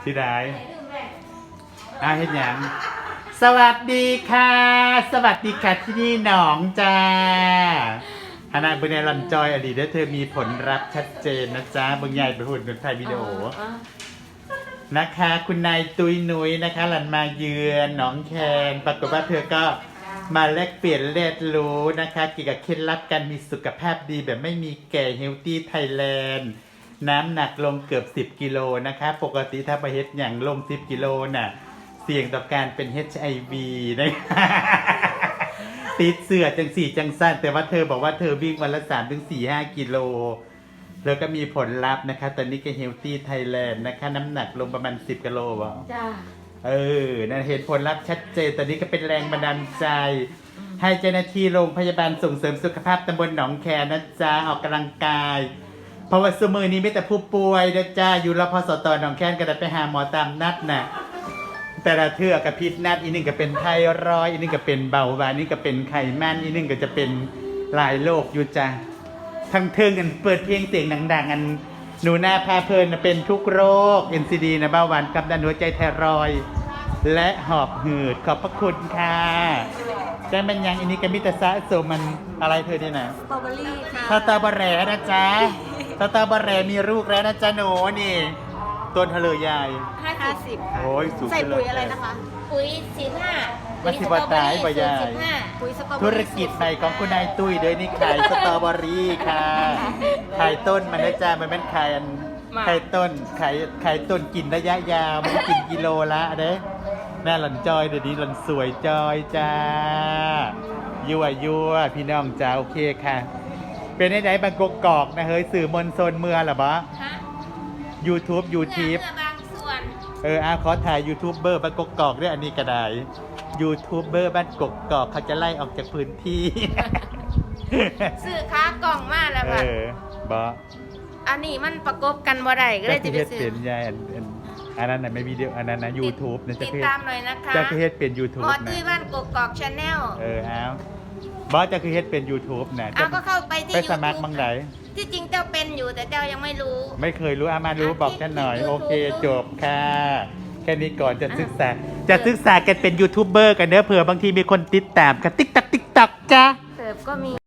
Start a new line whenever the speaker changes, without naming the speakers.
ที่ไหนเฮ็ดหยังสวัสดีค่ะสวัสดีค่ะที่นี่หนองจ้าฮานาบุญในลอนจอยอดีตเธอมีผลลัพธ์ชัดเจนนะจ๊ะบางใหญ่ไปหุ่นเป็นไทยวิดีโอนะคะคุณนายตุยนุ้ยนะคะหลันมาเยือนหนองแคนปรากฏว่าเธอก็มาแลกเปลี่ยนเรียนรู้นะคะเกี่ยวกับเคล็ดลับการมีสุขภาพดีแบบไม่มีแก่เฮลตี้ไทยแลนด์น้ำหนักลงเกือบ10 กิโลนะคะปกติถ้าไปเฮ็ดอย่างลง10 กิโลน่ะเสี่ยงต่อการเป็น HIV นะคะติดเสื้อจังสี่จังสั้นแต่ว่าเธอบอกว่าเธอวิ่งวันละ3-4-5 กิโลแล้วก็มีผลลัพธ์นะคะตอนนี้ก็เฮลตี้ไทยแลนด์นะคะน้ำหนักลงประมาณ10 กิโลวะ
จ้า
นั่นเห็นผลลัพธ์ชัดเจนตอนนี้ก็เป็นแรงบันดาลใจให้เจ้าหน้าที่โรงพยาบาลส่งเสริมสุขภาพตำบลหนองแคนะจ๊ะออกกำลังกายเพราะว่าสมือนี้ไม่แต่ผู้ป่วยนะจ๊ะอยู่รพสตหนองแคนก็ได้ไปหาหมอตามนัดน่ะแต่ละเทื่อกับพิษนัดอีนึงก็เป็นไทรอยด์อีนึงก็เป็นเบาหวานนี่ก็เป็นไขมันอีนึงก็จะเป็นหลายโรคอยู่จ้ะทั้งเทิงกันเปิดเพลงเสียงดังๆกันหนูหน้าพาเพลินเป็นทุกโรค NCD นะเบาหวานกับดันหัวใจไทรอยด์และหอบหืดขอบพระคุณค่ะแต่มันยังอันนี้ก็มิตรสะสมมันอะไรเธอเนี่ยนะ
สตรอเบอรี่ค่ะ
สตรอเบอร์แหร่นะจ๊ะสตรอเบอร์แหร่มีลูกแล้วนะจ๊ะหนูนี่ต้นทะเลใหญ่
50
โอ้ยสูง
ใส่ปุ๋ยอะไรนะคะ
ปุ๋ย15
มันสิบ่ตายบ่ยาย
ปุ๋ยสตรอเบอ
ธุ
รี่
รกิจใหม่ของคุณนายตุ้ยเด้อนี่ขายสตรอเบอรี่ค่ะขายต้นมันนะจ๊ะมันเป็นขายอันขายต้นขายต้นกินระยะยาวไม่ได้กินกิโลละเด้แม่หล่อนจอยเดี๋ยวนี้หล่อนสวยจอยจ้ายั่วพี่น้องจ้าโอเคค่ะเป็นไหนบางกอกนะเฮ้ยสื่อมวลชนเมืองหรอปะ
ฮะ
YouTube
เมื่อบางส่วน
ขอถ่ายยูทูบเบอร์บ้านกกอกด้วยอันนี้ก็ได้ยูทูบเบอร์บ้านกกอกเขาจะไล่ออกจากพื้นที่
ซื้อค้ากล่องมาแล้วแบบ
บอ
อันนี้มันประกบกันบ่ได้ก็เลยจะไป
เฮ็ด
ซื้
เป็
อน
ยายอันนั้นน่ะไม่วิดีโออันนั้นนะยูทูบนะ
ติดตามหน่อยนะคะ
จะคือเฮ็ดเป็นยูทูบ
หมอ
นะ
ตุ้ยบ้านกกอกชาแนล
เอาบอสจะคือเฮ็ดเป็นยูทูบนะ
เอาก็เข้าไปที่
ไป
ยู
สมัคร
ทูบ
บ้างไหน
ที่จริงเจ้าเป็นอยู่แต่เจ้ายังไม่รู้
ไม่เคยรู้มารู้บอกฉันหน่อย
ที่
โอเค
YouTube
จบค่ะ แค่นี้ก่อนจะศึกษากันเป็นยูทูบเบอร์กันเด้อเผื่อบางทีมีคนติดตามกันติ๊กตักจ้า
เสิร์ฟก็มี